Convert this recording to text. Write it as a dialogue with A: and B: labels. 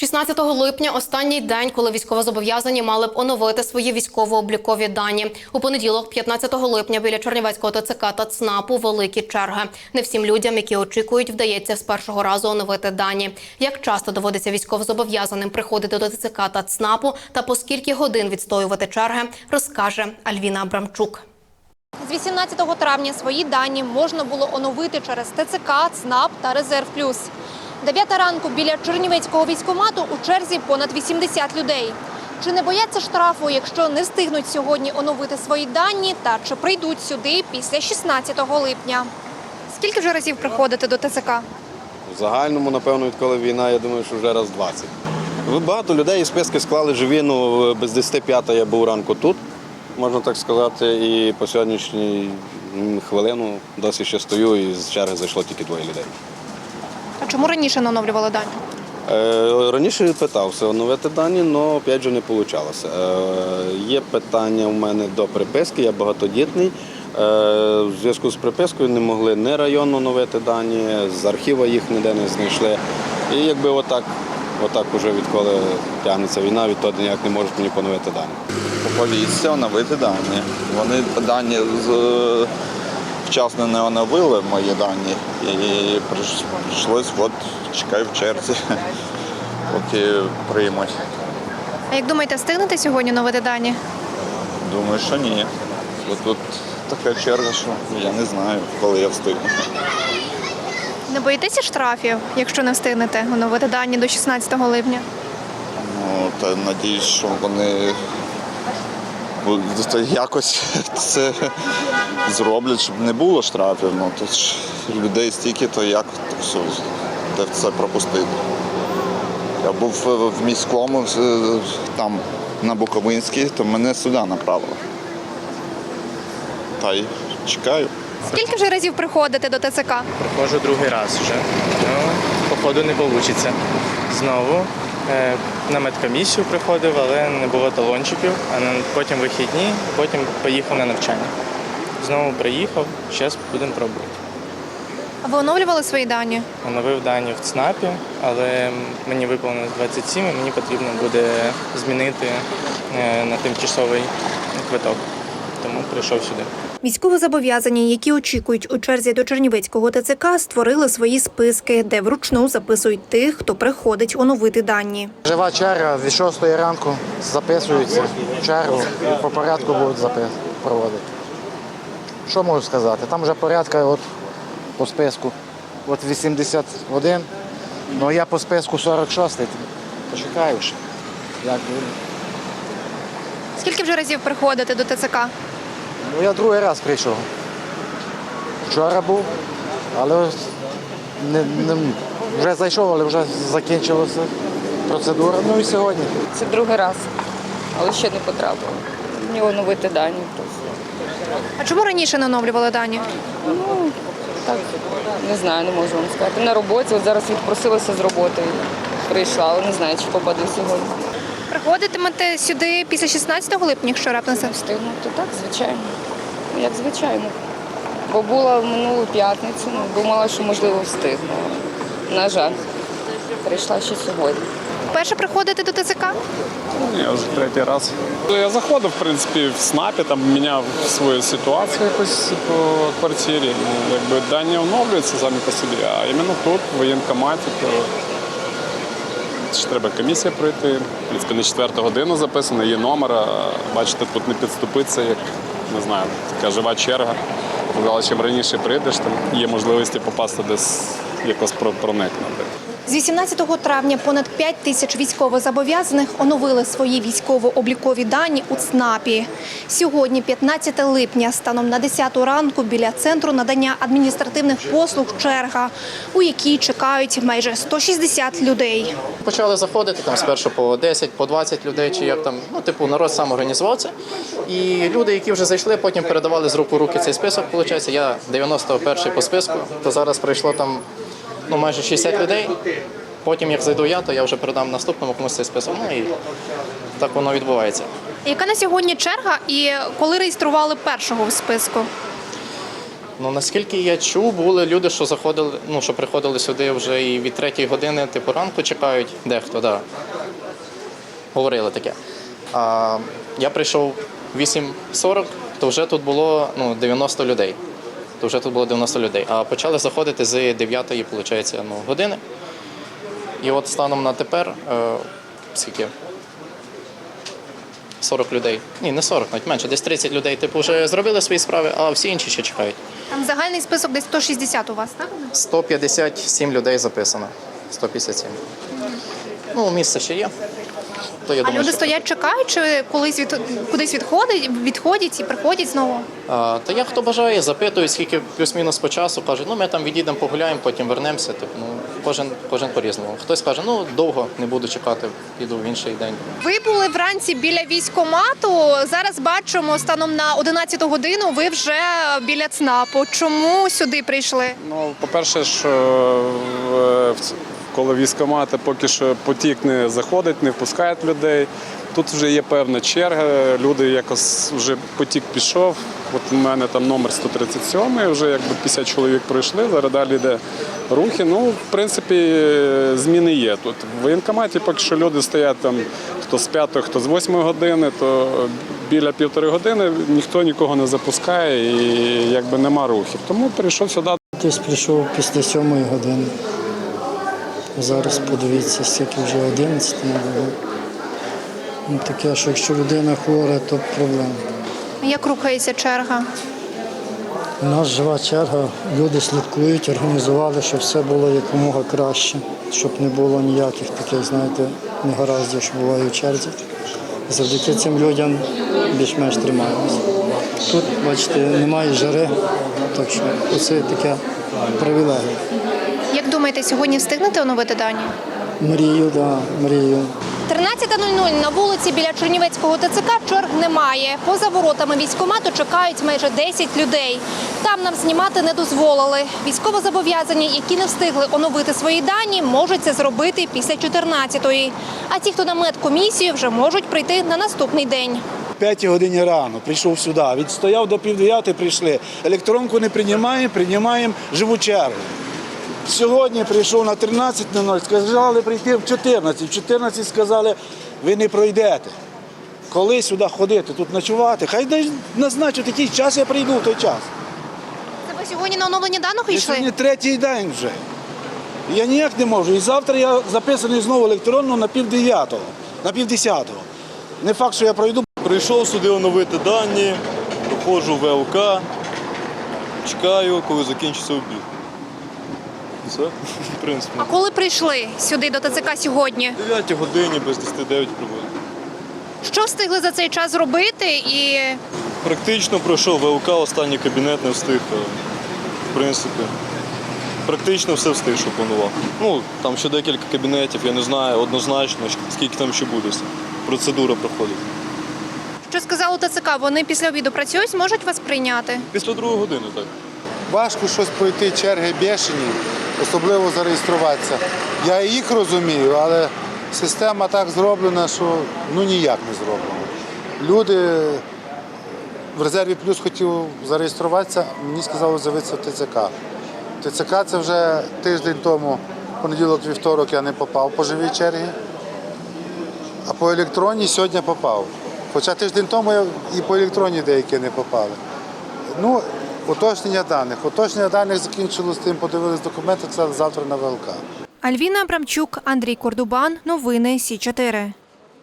A: 16 липня – останній день, коли військовозобов'язані мали б оновити свої військово-облікові дані. У понеділок, 15 липня, біля Чернівецького ТЦК та ЦНАПу великі черги. Не всім людям, які очікують, вдається з першого разу оновити дані. Як часто доводиться військовозобов'язаним приходити до ТЦК та ЦНАПу та по скільки годин відстоювати черги, розкаже Альвіна Абрамчук.
B: З 18 травня свої дані можна було оновити через ТЦК, ЦНАП та Резерв Плюс. 9 ранку біля Чернівецького військкомату у черзі понад 80 людей. Чи не бояться штрафу, якщо не встигнуть сьогодні оновити свої дані, та чи прийдуть сюди після 16 липня? Скільки вже разів приходите до ТЦК?
C: В загальному, напевно, відколи війна, я думаю, що вже раз 20. Багато людей списки склали живі, без 10:05 я був ранку тут, можна так сказати, і по сьогоднішній хвилину досі ще стою і з черги зайшло тільки 2 людей.
B: А чому раніше не оновлювали дані?
C: Раніше питався оновити дані, але опять же не вийшло. Є питання у мене до приписки, я багатодітний. В зв'язку з припискою не могли ні районно оновити дані, з архіва їх ніде не знайшли. І якби отак уже відколи тягнеться війна, відтоді ніяк не можуть мені поновити дані.
D: Поліція оновити дані. Вони дані вчасно не оновили мої дані і прийшлось, чекаю в черзі, поки приймуть.
B: А як думаєте, встигнете сьогодні оновити дані?
D: Думаю, що ні. Тут така черга, що я не знаю, коли я встигну.
B: Не боїтеся штрафів, якщо не встигнете оновити дані до 16 липня?
D: Та надіюсь, що вони якось це зроблять, щоб не було штрафів. Тут ж людей стільки, то як де це пропустити. Я був в міському, там на Буковинській, то мене сюди направили. Та й чекаю.
B: Скільки вже разів приходите до ТЦК?
E: Приходжу другий раз вже. Походу не вийде. Знову на медкомісію приходив, але не було талончиків, а потім вихідні, потім поїхав на навчання. Знову приїхав, зараз будемо пробувати.
B: А ви оновлювали свої дані?
E: Оновив дані в ЦНАПі, але мені виповнилось 27 і мені потрібно буде змінити на тимчасовий квиток. Тому прийшов сюди.
B: Військовозобов'язані, які очікують у черзі до Чернівецького ТЦК, створили свої списки, де вручну записують тих, хто приходить оновити дані.
F: Жива черга, від 6 ранку записуються в чергу і по порядку будуть проводити. Що можу сказати? Там вже порядка по списку 81, але я по списку 46-й, почекаю ще. Як буде.
B: Скільки вже разів приходите до ТЦК?
F: Я другий раз прийшов. Вчора був, але вже зайшов, але вже закінчилася процедура. І сьогодні.
G: Це другий раз, але ще не потрапила. Мені оновити дані просто.
B: А чому раніше не оновлювали дані?
G: Так, не знаю, не можу вам сказати. На роботі, зараз відпросилася з роботи, прийшла, але не знаю, чи попаду сьогодні.
B: Приходитимете сюди після 16 липня, якщо раптом це
G: Встигнути, так, звичайно. Як звичайно. Бо була в минулу п'ятницю, думала, що можливо встигну. На жаль, прийшла ще сьогодні.
B: Вперше приходите до ТЦК?
H: Ні, вже третій раз. Я заходив, в принципі, в СНАПі, там міняв свою ситуацію якось по квартирі. Якби дані оновлюються самі по собі, а іменно тут, в воєнкоматі, то ще треба комісія пройти. В принципі, на 4 годину записано, є номер, бачите, тут не підступиться, як, не знаю, така жива черга. Але чим раніше прийдеш, там є можливості попасти десь якось проникнути.
B: З 18 травня понад 5 тисяч військовозобов'язаних оновили свої військово-облікові дані у ЦНАПі. Сьогодні, 15 липня, станом на 10 ранку, біля Центру надання адміністративних послуг черга, у якій чекають майже 160 людей.
I: Почали заходити там спершу по 10, по 20 людей, чи як там, народ сам організувався. І люди, які вже зайшли, потім передавали з рук у руки цей список, виходить. Я 91-й по списку, то зараз прийшло там майже 60 людей. Потім, як зайду я, то я вже передам наступному комусь цей список. І так воно відбувається.
B: Яка на сьогодні черга і коли реєстрували першого в списку?
I: Ну, наскільки я чув, були люди, що заходили, ну, що приходили сюди вже і від 3 години, типу, ранку чекають, дехто, да. Говорили таке. А я прийшов 8:40, то вже тут було 90 людей. А почали заходити з 9-ї, виходить, години. І от станом на тепер, скільки? 40 людей. Ні, не 40, навіть менше, десь 30 людей, типу, вже зробили свої справи, а всі інші ще чекають.
B: Там загальний список десь 160 у вас, так?
I: 157 людей записано. 157. Ну, місце ще є. То, я
B: А
I: думаю,
B: люди
I: що-
B: стоять, чекають, чи кудись відходять і приходять знову?
I: Та як хто бажає, запитують, скільки плюс-мінус по часу, кажуть, ми там відійдемо, погуляємо, потім вернемося. Типу, кожен по-різному. Хтось каже, довго не буду чекати, піду в інший день.
B: Ви були вранці біля військкомату. Зараз бачимо, станом на 11 годину ви вже біля ЦНАПу. Чому сюди прийшли?
H: Ну, по-перше, що коли військкомати поки що потік не заходить, не впускають людей. Тут вже є певна черга, люди якось вже потік пішов. От у мене там номер 137, вже якби 50 чоловік пройшли, зараз далі йде рухи. Ну, в принципі, зміни є тут. В воєнкоматі поки що люди стоять там хто з 5, хто з 8 години, то біля 1,5 години ніхто нікого не запускає і якби нема рухів. Тому прийшов сюди.
J: Хтось прийшов після 7 години. Зараз подивіться, скільки вже 11 не було. Ну, таке, що якщо людина хвора, то проблема.
B: Як рухається черга?
J: У нас жива черга, люди слідкують, організували, щоб все було якомога краще, щоб не було ніяких таких, знаєте, негараздів, що буває у черзі. Завдяки цим людям більш-менш тримаємося. Тут, бачите, немає жари, так що оце таке привілегія.
B: Як думаєте, сьогодні встигнете оновити дані?
J: Мрію, так, мрію.
B: 13:00 на вулиці біля Чернівецького ТЦК черг немає. Поза воротами військкомату чекають майже 10 людей. Там нам знімати не дозволили. Військовозобов'язані, які не встигли оновити свої дані, можуть це зробити після 14-ї. А ті, хто на медкомісію, вже можуть прийти на наступний день.
K: 5 годині рано прийшов сюди, відстояв до 8:30 прийшли. Електронку не приймаємо живу чергу. Сьогодні прийшов на 13:00, сказали прийти в 14. В 14 сказали, ви не пройдете. Коли сюди ходити, тут ночувати? Хай назначать якийсь час, я прийду в той час.
B: Це ви сьогодні на оновлення даних
K: Я
B: йшли?
K: сьогодні 3-й день вже. Я ніяк не можу. І завтра я записаний знову електронно на 9:30, на 9:10. Не факт, що я пройду.
L: Прийшов сюди оновити дані, проходжу ВЛК, чекаю, коли закінчиться обід. Все, в принципі.
B: А коли прийшли сюди до ТЦК сьогодні?
L: В 9 годині, без 10:09 прибули.
B: Що встигли за цей час зробити і
L: Практично пройшов ВЛК, останній кабінет не встиг. В принципі, практично все встиг, що планував. Ну, там ще декілька кабінетів, я не знаю однозначно, скільки там ще буде. Процедура проходить.
B: що сказали ТЦК? Вони після обіду працюють, зможуть вас прийняти?
L: Після 2 години, так.
M: Важко щось пройти, черги бешені, особливо зареєструватися. Я їх розумію, але система так зроблена, що ніяк не зроблена. Люди в резерві плюс хотів зареєструватися, мені сказали з'явитися в ТЦК. В ТЦК це вже тиждень тому, понеділок-вівторок я не попав по живій черзі, а по електронній сьогодні попав. Хоча тиждень тому і по електронній деякі не попали. Уточнення даних закінчилось тим, подивились документи, це завтра на ВЛК.
B: Альвіна Абрамчук, Андрій Кордубан. Новини Сі 4.